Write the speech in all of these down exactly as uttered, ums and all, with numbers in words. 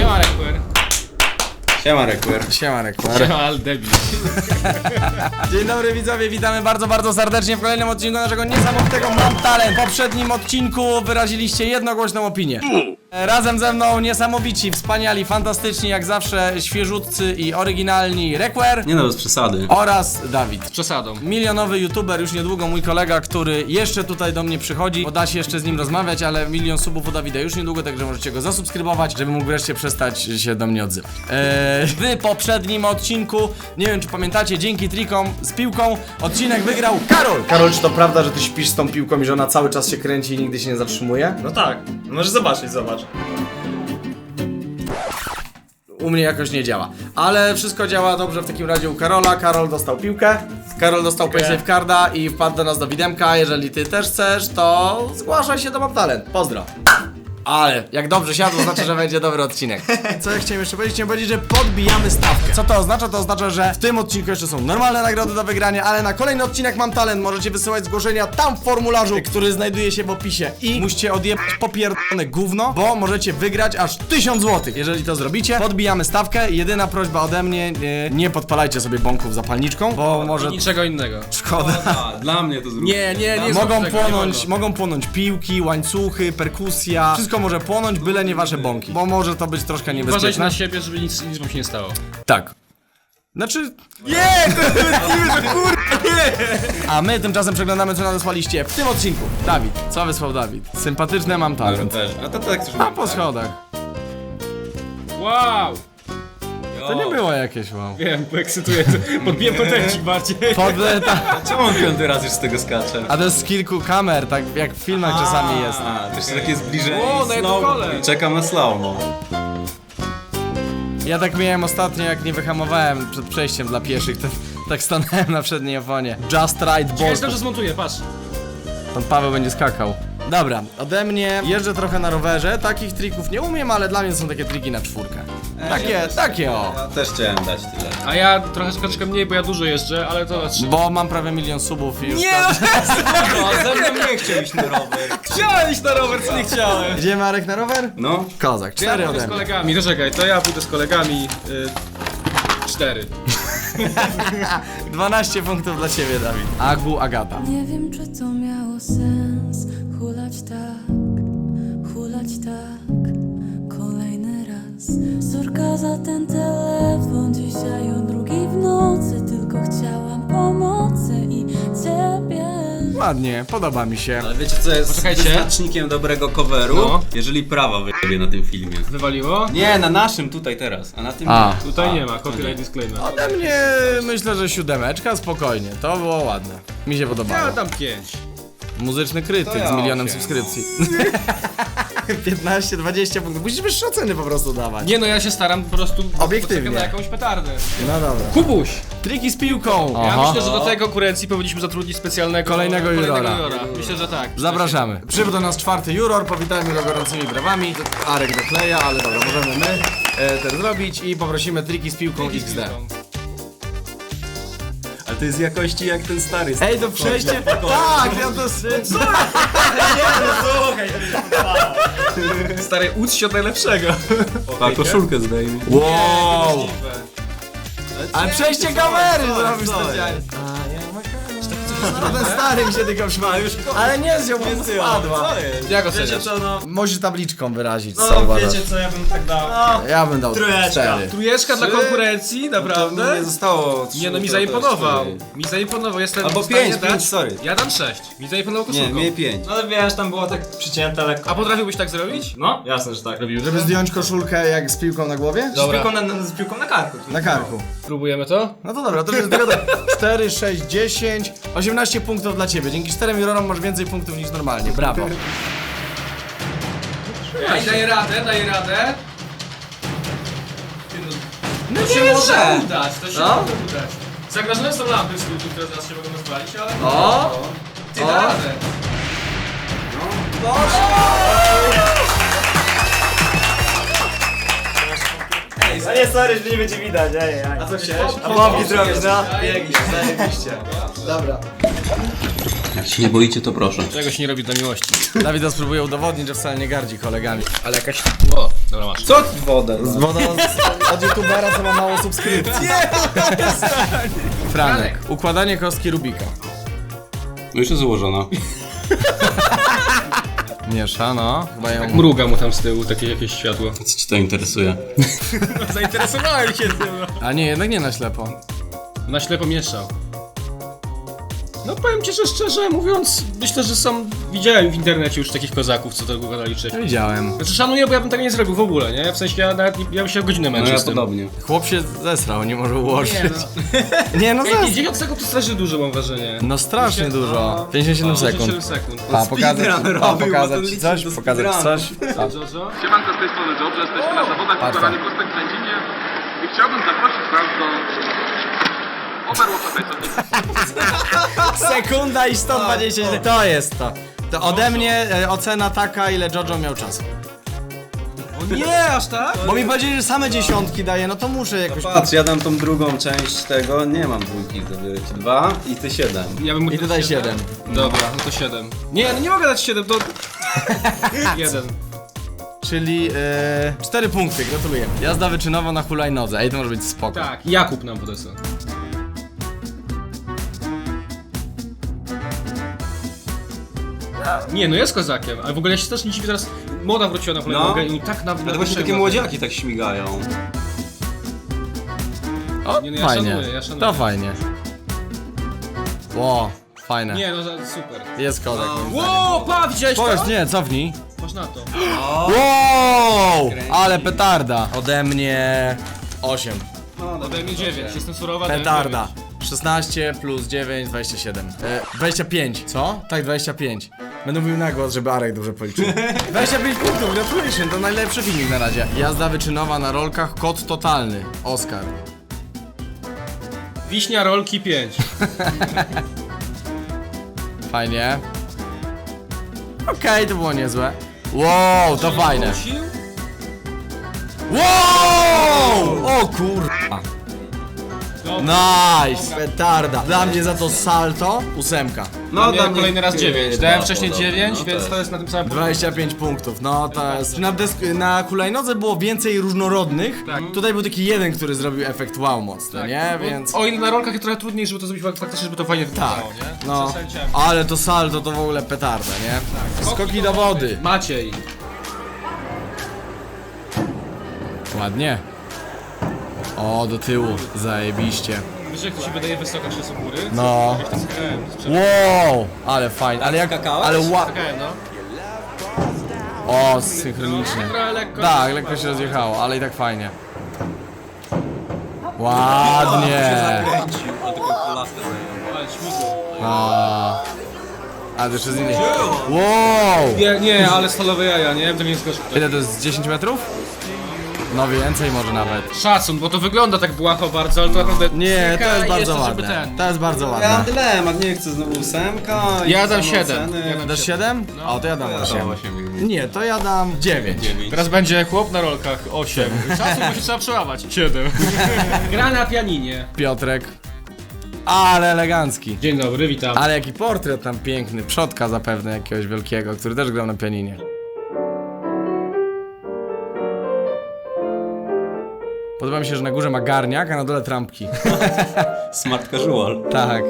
Siema, Requer. Siema, Requer. Siema, Requer. Siema, al debil. Dzień dobry widzowie, witamy bardzo, bardzo serdecznie w kolejnym odcinku naszego niesamowitego Mam Talent. W poprzednim odcinku wyraziliście jednogłośną opinię. Razem ze mną niesamowici, wspaniali, fantastyczni, jak zawsze świeżutcy i oryginalni Requer Nie no, bez przesady. oraz Dawid. Z przesadą. Milionowy youtuber, już niedługo mój kolega, który jeszcze tutaj do mnie przychodzi, bo da się jeszcze z nim rozmawiać, ale milion subów u Dawida już niedługo, także możecie go zasubskrybować, żeby mógł wreszcie przestać się do mnie odzywać. Eee, w poprzednim odcinku, nie wiem czy pamiętacie, dzięki trikom z piłką odcinek wygrał Karol! Karol, czy to prawda, że ty śpisz z tą piłką i że ona cały czas się kręci i nigdy się nie zatrzymuje? No tak, możesz zobaczyć, zobacz. U mnie jakoś nie działa, ale wszystko działa dobrze w takim razie u Karola. Karol dostał piłkę, Karol dostał PaySafe Carda i wpadł do nas do Widemka. Jeżeli ty też chcesz, to zgłaszaj się do Mam Talent. Pozdro. Ale jak dobrze siadł, to znaczy, że będzie dobry odcinek. Co ja chciałem jeszcze powiedzieć? Chciałem powiedzieć, że podbijamy stawkę. Co to oznacza? To oznacza, że w tym odcinku jeszcze są normalne nagrody do wygrania, ale na kolejny odcinek Mam Talent możecie wysyłać zgłoszenia tam w formularzu, który znajduje się w opisie. I musicie odjebać popierdolone gówno, bo możecie wygrać aż tysiąc złotych. Jeżeli to zrobicie, podbijamy stawkę. Jedyna prośba ode mnie, nie, nie podpalajcie sobie bąków zapalniczką, bo może... Niczego innego. Szkoda. A, dla mnie to zrób. Nie, nie, nie. Mogą zrób tego, płonąć, nie wolno. mogą płonąć piłki, łańcuchy, perkusja. Wszystko może płonąć, byle nie wasze bąki, bo może to być troszkę Uważajcie niebezpieczne. na siebie, żeby nic, nic wam się nie stało. Tak. Znaczy... Nie! To jest że kurde, nie! A my tymczasem przeglądamy, co nadesłaliście w tym odcinku. Dawid, co wysłał Dawid? Sympatyczne Mam Talent. też. A to tak też A mam. po schodach. Wow! To nie było jakieś wow. Wiem, poekscytuję. Podbiłem potencik bardziej. Podle, ta... Czemu on piąty raz już z tego skacze? A to jest z kilku kamer, tak jak w filmach czasami jest. A, to jeszcze takie zbliżenie. O, na jedną slow- kolej. Czekam na slow-mo. Ja tak miałem ostatnio, jak nie wyhamowałem przed przejściem dla pieszych, to, tak stanąłem na przedniej oponie. Just right Ja ball. jestem, że zmontuję, patrz. Pan Paweł będzie skakał. Dobra, ode mnie jeżdżę trochę na rowerze, takich trików nie umiem, ale dla mnie są takie triki na czwórkę. Takie, takie o. Ja też chciałem dać tyle. A ja trochę troszeczkę mniej, bo ja dużo jeżdżę, ale to znaczy... Bo mam prawie milion subów i już Nie, tam... No, ze mną nie chciał iść na rower. chciałem iść na rower, co nie chciałem. Idziemy Arek na rower? No. Kozak, Ja cztery pójdę ode z mnie. kolegami, to czekaj, to ja pójdę z kolegami. Y, cztery. dwanaście punktów dla ciebie, Dawid. Agu Agata. Nie wiem, czy to miało sens hulać tak, hulać tak, kolejny raz. Sorka za ten telefon, dzisiaj o drugiej w nocy, tylko chciałam pomocy i ciebie. Ładnie, podoba mi się. Ale wiecie co jest Poczekajcie. wyznacznikiem dobrego coveru? No. Jeżeli prawa wyjebie na tym filmie. Wywaliło? Nie, na naszym tutaj teraz, a na tym A. nie. Tutaj A, nie ma, to copyright disclaimer. Ode mnie myślę, że siódemeczka, spokojnie. To było ładne. Mi się Ja podobało. dam pięć. Muzyczny krytyk To ja z milionem osiem. subskrypcji. piętnaście dwadzieścia punktów. Musisz wyższe oceny po prostu dawać. Nie no, ja się staram po prostu... Obiektywnie. poczekam na jakąś petardę. No dobra. Kubuś! Triki z piłką. Ja Aha. myślę, że do tej konkurencji powinniśmy zatrudnić specjalnego... Kolejnego jurora. Myślę, że tak. Zapraszamy. Przybył do nas czwarty juror, powitajmy go gorącymi brawami. Arek dokleja, ale dobra, możemy my e, ten zrobić i poprosimy triki z piłką X D. Ale to jest jakości jak ten stary. Ej, to przejście... Tak, ja to... Co? Stary, ucz się od najlepszego. A koszulkę zdejmij. Wow! Ale przejście kamery zrobisz co specjalnie. No ten stary mi się tylko przypomniał. Ale nie zjął, bo mu spadła. Jak Wiecie oceniasz? co, no, Musisz tabliczką wyrazić, co no uważasz? wiecie co, ja bym tak dał. No, Ja bym dał Trójeczka. cztery. Trójeczka dla Trzy? konkurencji, To naprawdę? nie zostało. trzy, Nie no, mi to- to jest zaimponował. cztery. Mi zaimponował, jestem Albo w stanie pięć, dać- pięć, sorry. Ja dam sześć. Mi zaimponował Nie, koszulką. mnie pięć. no ale wiesz, tam było tak przycięte lekko. A potrafiłbyś tak zrobić? No, jasne, że tak. Robił. Żeby zdjąć koszulkę jak z piłką na głowie? Z Dobra. piłką na, na, z piłką na karku. Na karku. Próbujemy to? No to dobra, to jest tylko cztery, sześć, dziesięć, osiemnaście punktów dla ciebie. Dzięki czterem jurorom masz więcej punktów niż normalnie. Brawo. Ej, daję radę, daję radę. No To się nie, może że- udać, to się No. może udać. Zagrożone są lampy w studiu, które zaraz się mogą rozwalić, ale... O! Ty O! da radę. A nie, sorry, że nie będzie widać, ej, ej. A co chciałeś? A pompki zrobić, no. Zajebiście, zajebiście. Dobra. Jak się nie boicie, to proszę. Czego się nie robi dla miłości. Dawida spróbuje udowodnić, że wcale nie gardzi kolegami. Ale jakaś... O, dobra masz. Co wodę? Z wodą z, od youtubera, co ma mało subskrypcji. Nie, Franek, układanie kostki Rubika. No już jest złożona. Miesza, no. Chyba ją... Mruga mu tam z tyłu, takie jakieś światło. Co ci to interesuje? Zainteresowałem się tym. A nie, jednak nie na ślepo. Na ślepo mieszał. No powiem ci, że szczerze mówiąc, myślę, że są... Widziałem w internecie już takich kozaków, co tego gadali wcześniej. Widziałem. Znaczy szanuję, bo ja bym tego nie zrobił w ogóle, nie? W sensie ja nawet nie, ja bym się godzinę No męczył ja z tym. podobnie. Chłop się zesrał, nie może ułożyć. Nie no. Nie, no Ej, zesrał. dziewięć sekund to strasznie dużo mam wrażenie. No strasznie No, dużo. pięćdziesiąt siedem sekund. pięćdziesiąt sekund. A pokazać, Speedrun a, robił, bo pokazać to ci liczy coś? do Pokazać ci speedrunu. coś? Co, Jojo? Siemanko, z tej strony Job, jesteśmy na zawodach Patrz układanych tam. kostek w Będzinie i chciałbym zaprosić was do Overwatcha Tyson. Sekunda i sto dwadzieścia. To jest to. To ode mnie e, ocena taka, ile Jojo miał czasu. O nie, aż tak? Bo mi powiedzieli, że same dziesiątki daje, no to muszę jakoś... Patrz, ja dam tą drugą część tego, nie mam dwójki, to biorę ci dwa i ty siedem. Ja bym mógł I dać tutaj siedem. Dobra, no to siedem. Nie, no nie mogę dać siedem, to... jeden. Czyli e, cztery punkty, gratuluję. Jazda wyczynowa na hulajnodze, ej to może być spoko. Tak, Jakub nam podesłał. Nie, no jest kozakiem, ale w ogóle ja się też nie dziwię, teraz moda wróciła na hulajnogę i tak na... Ale właśnie takie młodziaki tak śmigają. O, Nie, no ja fajnie, szanuję, ja szanuję. to fajnie. Ło, fajne. Nie, no za- super. Jest kodek. Ło, pa, widziałeś to? Powiedz, nie, cofnij. Masz na to. Wow, ale petarda. Ode mnie osiem. Ode mnie dziewięć, jestem surowa. Petarda. szesnaście plus dziewięć, dwadzieścia siedem. E, dwadzieścia pięć. Co? Tak, dwadzieścia pięć. Będę mówił na głos, żeby Arek dobrze policzył. dwadzieścia pięć punktów, gratulacje, to najlepszy filmik na razie. Jazda wyczynowa na rolkach, kod totalny. Oskar. Wiśnia rolki pięć. Fajnie. Okej, to było niezłe. Wow, to fajne. Wow! O kurwa. Nice! Petarda. Dla mnie za to salto ósemka. No, dla dam mnie kolejny raz chyba dziewięć. Dałem wcześniej podobnie. dziewięć, No więc tak. to jest na tym samym dwadzieścia pięć punktów, no to jest... Na, desk- na hulajnodze było więcej różnorodnych. Tak. Tutaj był taki jeden, który zrobił efekt wow mocny, nie? Bo Więc... O ile na rolkach jest trochę trudniej, żeby to zrobić faktycznie, żeby to fajnie Tak, wyglądało, nie? no. Przesadziłem. Ale to salto to w ogóle petarda, nie? Skoki do wody. Maciej. Ładnie. O, do tyłu, zajebiście. Wiesz, jak to się wydaje wysoka przez u góry? No. Jak to skakałem, to sprzed- Wow, ale fajnie, ale jak... skakałeś? Ale ła... skakałem, no. O, synchronicznie. Trochę lekko. Tak, lekko się rozjechało, ale i tak fajnie. Ładnie. Zakręcił, a tylko laskę Ale śmigło. A, a to jeszcze z innej. Wow! Nie, nie, ale stalowe jaja, nie? To nie jest gorzej. Ile to jest? dziesięć metrów? No więcej może nawet. Szacun, bo to wygląda tak błaho bardzo, ale to naprawdę... Nie, to jest Czekaj, bardzo jeszcze, żeby ładne. ten- To jest bardzo Ja mam ładne. dylemat, nie chcę znowu ósemka. i Ja dam samo siedem. oceny. Ja dam Dasz siedem? O, to ja dam Ja osiem. dam osiem. Nie, to ja dam dziewięć. Teraz będzie chłop na rolkach osiem. Szacun, bo się trzeba przełamać. siedem. Gra na pianinie. Piotrek. Ale elegancki. Dzień dobry, witam. Ale jaki portret tam piękny. Przodka zapewne jakiegoś wielkiego, który też grał na pianinie. Podoba mi się, że na górze ma garniak, a na dole trampki. Smart casual. Tak.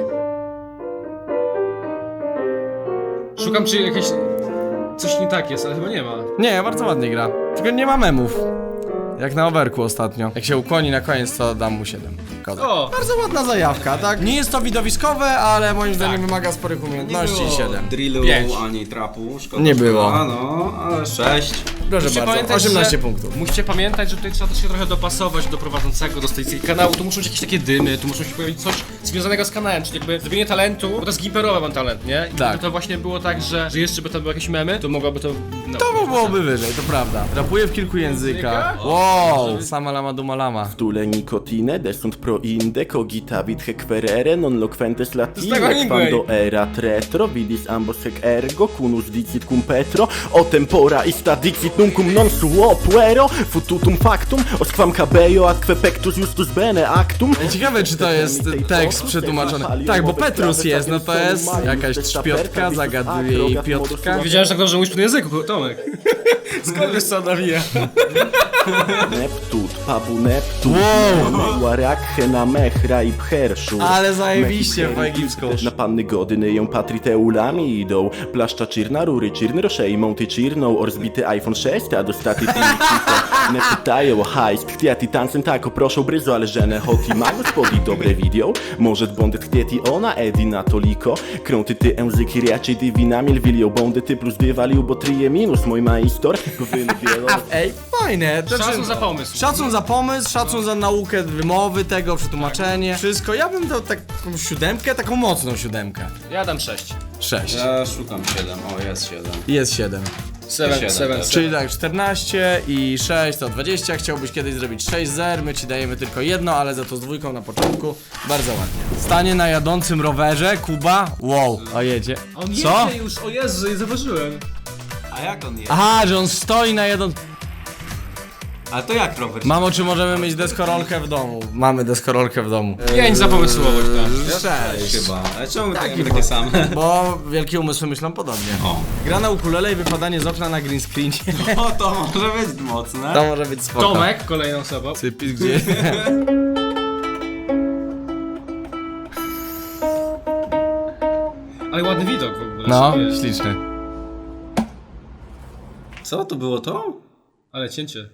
Szukam, czy jakieś... Coś nie tak jest, ale chyba nie ma. Nie, bardzo ładnie gra. Tylko nie ma memów. Jak na overku ostatnio. Jak się ukłoni na koniec, to dam mu siedem. Kodek. O! Bardzo ładna zajawka, tak? Nie jest to widowiskowe, ale moim zdaniem wymaga sporych umiejętności i siedem. Drillu Pięć. ani trapu. Szkoda, Nie szkoda, było. No, ale sześć. Proszę Musicie bardzo, pamiętać, osiemnaście że- punktów. Musicie pamiętać, że tutaj trzeba też się trochę dopasować do prowadzącego, do tej kanału. Tu muszą być jakieś takie dymy, tu muszą się pojawić coś związanego z kanałem, czyli jakby zrobienie talentu, bo to jest gimperowe mam talent, nie? I Tak. gdyby to właśnie było tak, że, że jeszcze by tam były jakieś memy, to mogłoby to... No, To byłoby wyżej, to prawda. Rapuję w kilku językach. Wow, sama lama duma lama. Dule nicotine, desunt pro inde, cogitavit hec querere, non loquentes tego latine, Hemingway. quando erat retro, vidis ambos hec ergo, cunus dicit cum petro, o tempora ista dixit Nuncum non suo puero, fututum factum, osquam cabello atque pectus justus bene actum. Ciekawe, czy to jest tekst przetłumaczony. Tak, bo Petrus jest, no to jest jakaś trzpiotka, zagaduje jej Piotrka. Wiedziałem, że tak dobrze mówisz po tym języku, Tomek. Skąd wiesz co nawija? Neptut, pabu neptut, Wow. Warakhe na mechra i pcherszu. Ale zajebiście po egipsku. Na panny godyny ją patriteulami idą. Plaszcza czirna, rury czirny, roszejmą ty czirną. Orzbity iPhone sześć, a dostaty filmikito. Nie pytają o hajs, chtjati tancen tako, proszą bryzo, ale żene hoti ma gospodi dobre video. Może bondet chtjeti ona, edi na toliko. Krąty ty języki raczej divinami lwilio bondy ty plus dywalił, bo trije minus mój majstor. Wylubielo. Ej, fajne. to Szacun znaczy- za pomysł. Szacun za pomysł, szacun za naukę wymowy tego, przetłumaczenie. Wszystko. Ja bym dał taką siódemkę, taką mocną siódemkę. Ja dam sześć. Sześć. Ja szukam siedem, o jest siedem. Jest siedem. Seven, Siedem seven, też. Czyli tak, czternaście i sześć to dwadzieścia. Chciałbyś kiedyś zrobić sześć zer, my ci dajemy tylko jedno, ale za to z dwójką na początku. Bardzo ładnie. Stanie na jadącym rowerze, Kuba. Wow, a jedzie. On Co? jedzie już, o Jezu, nie zauważyłem. A jak on jest? Aha, że on stoi na jadącym... A to jak rower? Mamo, czy możemy mieć deskorolkę w domu? Mamy deskorolkę w domu. Pięć za pomysłowość, tak. Sześć. Chyba. Ale czemu Taki takie, takie same? Bo wielkie umysły myślą podobnie. O. Gra na ukulele i wypadanie z okna na green screenie. O, to może być mocne. To może być spoko. Tomek, kolejną osobą. Cypis gdzie? Ale ładny widok w ogóle. No, sobie. śliczny. Co, to było to? Ale cięcie.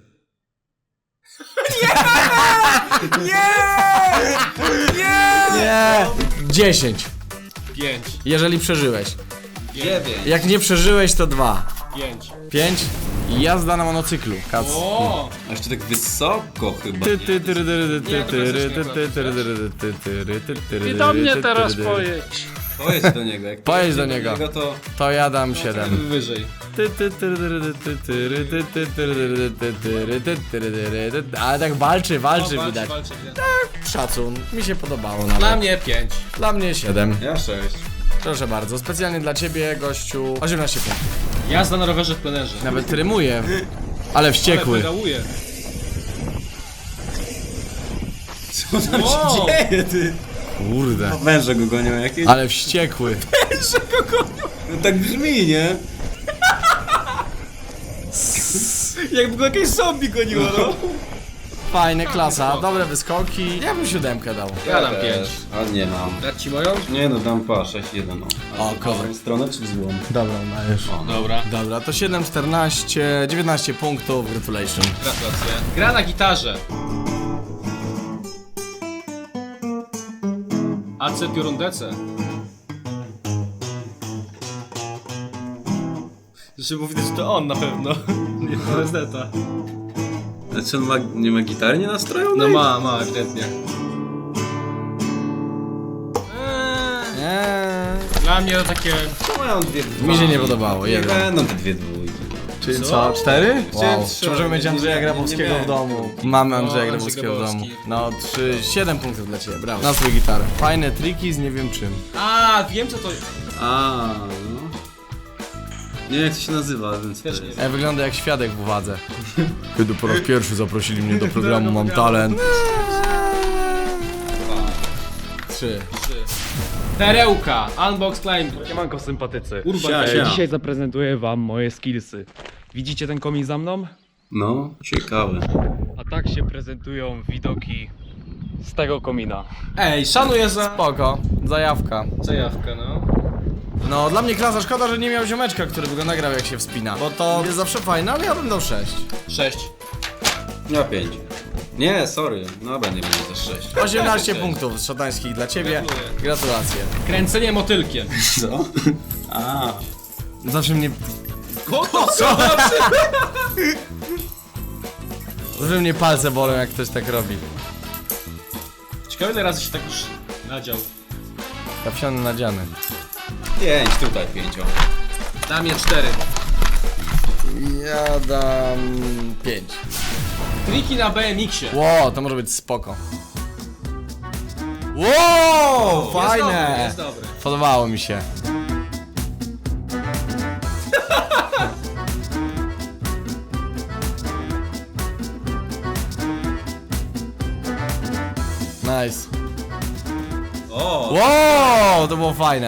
Nie! dziesięć. Pięć. Jeżeli przeżyłeś. Dziewięć. Jak nie przeżyłeś, to dwa. Pięć. pięć. I jazda na monocyklu. Kac. O! A jeszcze tak wysoko chyba. Ty, ty, tyry, tyry, ty, Nie, to tyry, jest ty, nie ty, tyry, tyry, ty, tyry, ty, tyry, I do mnie ty, teraz tyry, pojedź. Pojedź do niego. Jak Pojedź pojedzie do niego. to... To ja dam siedem. Wyżej. Ty, ty, tyry, tyry, ty, tyry, ty, ty, tyry, ty, tyry, ty, tyry, tyry, ty. Ale tak walczy, walczy O, widać. walczy, walczy. Szacun. Mi się podobało Dla nawet. mnie pięć. Dla mnie siedem. Ja sześć. Proszę bardzo. Specjalnie dla ciebie, gościu. osiemnaście punktów. Jazda na rowerze w plenerze. Nawet rymuje. Ale wściekły. Ale pedałuje. Co tam Wow. się dzieje, ty? Kurde. Węże go gonią jakieś? Ale wściekły. No tak brzmi, nie? Jakby go jakieś zombie goniło, no. Fajne, klasa. Dobre wyskoki. Ja bym siódemkę dał. Ja dam też. pięć. A nie mam. Dać ci moją? Nie no, dam pa, sześć jeden. No. O, W kozak. dobrą stronę czy w złą? Dobra, dajesz. O, no. Dobra. Dobra, to siedem, czternaście, dziewiętnaście punktów. Gratulation. Gratulacje. Gra na gitarze. A C piorundece. Zresztą było widać, że to on na pewno. Nie to jest neta. Znaczy on ma, nie ma gitary nie nastrojonej? No ma, ma, ewidentnie. Nie. Dla mnie to takie... Mają dwie dwa. Mi się nie podobało, Nie jeden. będą te dwie dwójki. Czyli Co? co? Cztery? Chciałem Wow. trzy. Czy możemy mieć Nie, Andrzeja nie, Grabowskiego nie w domu? Mamy Andrzeja O, Grabowskiego w Andrzej domu. Grabowski. No, trzy, siedem punktów dla ciebie, brawo. Na swój gitarę. Fajne triki z nie wiem czym. A, wiem co to... A, no. Nie wiem jak to się nazywa, więc Też też nie E, wygląda jak świadek w uwadze. Kiedy po raz pierwszy zaprosili mnie do programu Mam Talent. Trzy. Perełka, Unbox Climb. Siemanko sympatycy. Urban Sia, E, sia. Dzisiaj zaprezentuję wam moje skillsy. Widzicie ten komin za mną? No, ciekawe. A tak się prezentują widoki z tego komina. Ej, szanuję za... Spoko, zajawka. Zajawkę, no. No, dla mnie klasa, szkoda, że nie miał ziomeczka, który by go nagrał jak się wspina. Bo to jest zawsze fajne, ale ja bym dał sześć. Sześć. Ja pięć. Nie, sorry. No będzie będzie też sześć. osiemnaście punktów z szatańskich dla ciebie. Gratuluję. Gratulacje. Kręcenie motylkiem. Co? A, Zawsze mnie... Koto, co? Zawsze mnie palce bolą, jak ktoś tak robi. Ciekawe ile razy się tak już nadział. Kapsiony nadziany. pięć, tutaj pięć. o. Dla mnie cztery. Ja dam... pięć. Triki na B M X-ie. Ło, to może być spoko. Ło, fajne! Jest dobry, jest dobry. Podobało mi się. Nice. O, Wow, to było fajne.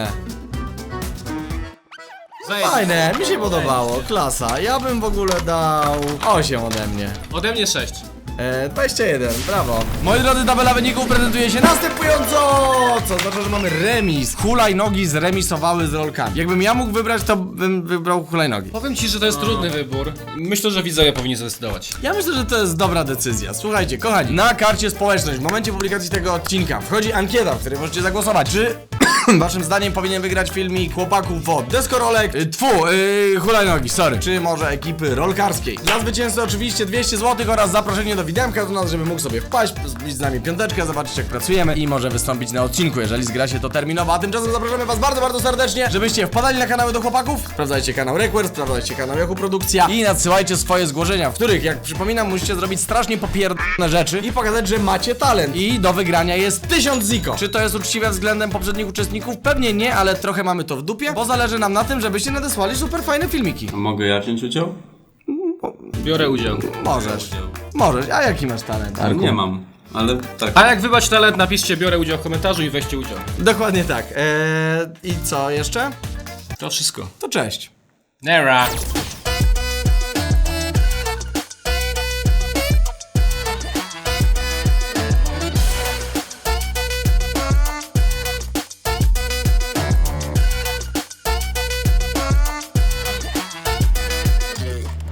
Zajebiście. Fajne, mi się podobało, klasa. Ja bym w ogóle dał osiem ode mnie. Ode mnie sześć. E, dwadzieścia jeden, brawo. Moi drodzy, tabela wyników prezentuje się następująco. Co oznacza, że mamy remis. Hulajnogi zremisowały z rolkami. Jakbym ja mógł wybrać, to bym wybrał hulajnogi. Powiem ci, że to jest trudny wybór. Myślę, że widzowie powinni zdecydować. Ja myślę, że to jest dobra decyzja. Słuchajcie, kochani, na karcie społeczność w momencie publikacji tego odcinka wchodzi ankieta, w której możecie zagłosować, czy waszym zdaniem powinien wygrać filmik chłopaków od deskorolek, y, tfu, yy, hulajnogi, sorry, czy może ekipy rolkarskiej. Dla zwycięzcy oczywiście dwieście złotych oraz zaproszenie do widemka do nas, żeby mógł sobie wpaść, zbić z nami piąteczkę, zobaczyć jak pracujemy i może wystąpić na odcinku, jeżeli zgra się to terminowo. A tymczasem zapraszamy was bardzo, bardzo serdecznie, żebyście wpadali na kanały do chłopaków, sprawdzajcie kanał Request, sprawdzajcie kanał Yahoo Produkcja i nadsyłajcie swoje zgłoszenia, w których, jak przypominam, musicie zrobić strasznie popierdolone rzeczy i pokazać, że macie talent. I do wygrania jest tysiąc ziko. Czy to jest uczciwe względem poprzednich uczestników? Pewnie nie, ale trochę mamy to w dupie, bo zależy nam na tym, żebyście nadesłali super fajne filmiki. a mogę ja wziąć udział? Biorę udział. Możesz. Możesz. A jaki masz talent? Arku? Nie mam, ale tak. A jak wybrać talent, napiszcie biorę udział w komentarzu i weźcie udział. Dokładnie tak. Eee, I co jeszcze? To wszystko. To cześć. Nera.